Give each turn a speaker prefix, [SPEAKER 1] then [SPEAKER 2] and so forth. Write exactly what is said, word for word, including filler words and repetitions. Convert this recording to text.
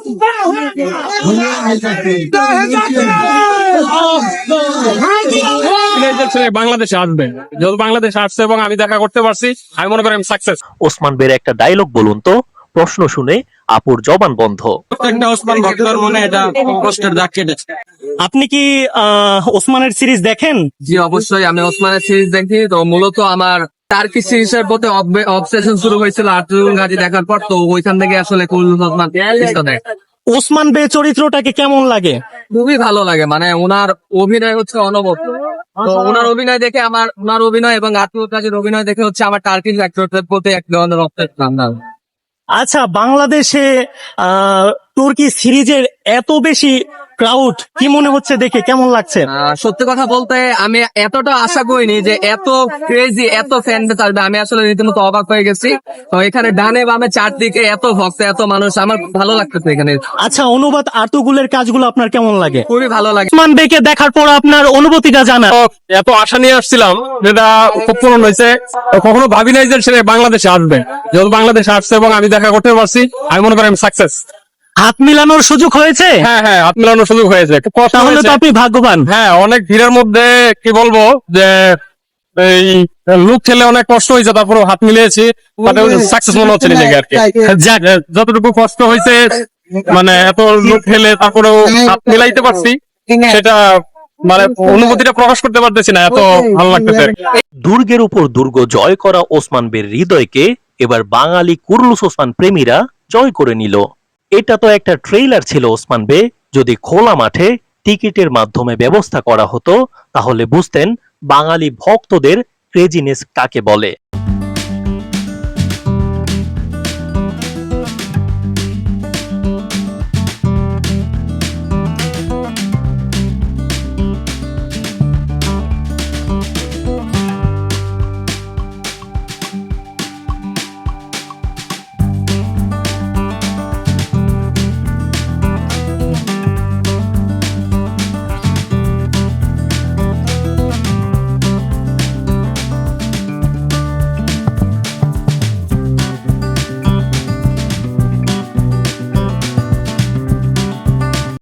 [SPEAKER 1] বাংলাদেশে আসবে, যেহেতু বাংলাদেশে আসছে এবং আমি দেখা করতে পারছি, আমি মনে করি আমি সাকসেস।
[SPEAKER 2] ওসমান বের একটা ডায়লগ বলুন তো। প্রশ্ন শুনে আপুর জবান বন্ধ।
[SPEAKER 1] প্রত্যেকটা ওসমান ভক্তর মনে এটা কষ্টের দাগ কেটেছে।
[SPEAKER 3] আপনি কি আহ, ওসমানের সিরিজ দেখেন?
[SPEAKER 4] জি অবশ্যই, আমি ওসমানের সিরিজ দেখি। তো মূলত আমার টার্কি সিরিজের প্রতি অবসেশন শুরু হয়েছিল আর্তুল গাজী দেখার পর। তো ওইখান থেকে আসলে কুল্লুস ওসমান সিরিজটা দেখ।
[SPEAKER 3] ওসমান বে চরিত্রটাকে কেমন লাগে?
[SPEAKER 4] খুবই ভালো লাগে, মানে ওনার অভিনয় হচ্ছে অনবদ্য। তো ওনার অভিনয় দেখে আমার ওনার অভিনয় এবং আর্তুল গাজীর অভিনয় দেখে হচ্ছে আমার টার্কিশ অ্যাক্টরদের প্রতি এক ধরনের রক্তের টান।
[SPEAKER 3] আচ্ছা, বাংলাদেশে আহ তুর্কি সিরিজের এত বেশি ক্রাউড, কি মনে হচ্ছে দেখে, কেমন লাগছে?
[SPEAKER 4] আহ, সত্যি কথা বলতে আমি এতটা আশা করিনি যে এত ক্রেজি, এত ফ্যান বেস আসবে। আমি আসলে রীতিমতো অবাক হয়ে গেছি। তো এখানে ডানে বামে চারদিকে এত ভক্ত, এত মানুষ, আমার খুব ভালো লাগতেছে এখানে।
[SPEAKER 3] আচ্ছা, অনুবাদ আর্তুগুলের কাজগুলো আপনার কেমন লাগে?
[SPEAKER 4] খুবই ভালো লাগে।
[SPEAKER 3] ওসমান বেকে দেখার পর আপনার অনুভূতিটা জানা।
[SPEAKER 1] এত আশা নিয়ে আসছিলাম, যেটা খুব পূরণ হয়েছে। কখনো ভাবি নাই যে সে বাংলাদেশে আসবে, যেহেতু বাংলাদেশে আসছে এবং আমি দেখা করতে পারছি, আমি মনে করি আমি সাকসেস।
[SPEAKER 3] হাত মিলানোর সুযোগ হয়েছে?
[SPEAKER 1] হ্যাঁ হ্যাঁ, হাত মেলানোর সুযোগ হয়েছে। খুব কষ্ট
[SPEAKER 3] তাহলে তো
[SPEAKER 1] হয়েছে।
[SPEAKER 3] আপনি ভাগ্যবান।
[SPEAKER 1] হ্যাঁ, অনেক ভিড়ের মধ্যে কি বলবো যে এই লুক ঠেলে অনেক কষ্ট হয়েছে, তারপরে হাত মিলিয়েছি, সাকসেস মনে হচ্ছে নিজেকে আর কি। যাক, যতটুকু কষ্ট হয়েছে, মানে এত লুক ঠেলে তারপরেও হাত মিলাইতে পারছি, সেটা মানে অনুভূতিটা প্রকাশ করতে পারতেছি না, এত ভালো লাগতেছে।
[SPEAKER 2] দুর্গের উপর দুর্গ জয় করা ওসমান বের হৃদয়কে এবার বাঙালি কুর্লুস ওসমান প্রেমীরা জয় করে নিল। এটা তো একটা ট্রেইলার ছিল ওসমান বে। যদি খোলা মাঠে টিকিটের মাধ্যমে ব্যবস্থা করা হতো, তাহলে বুঝতেন বাঙালি ভক্তদের ক্রেজিনেস কাকে বলে।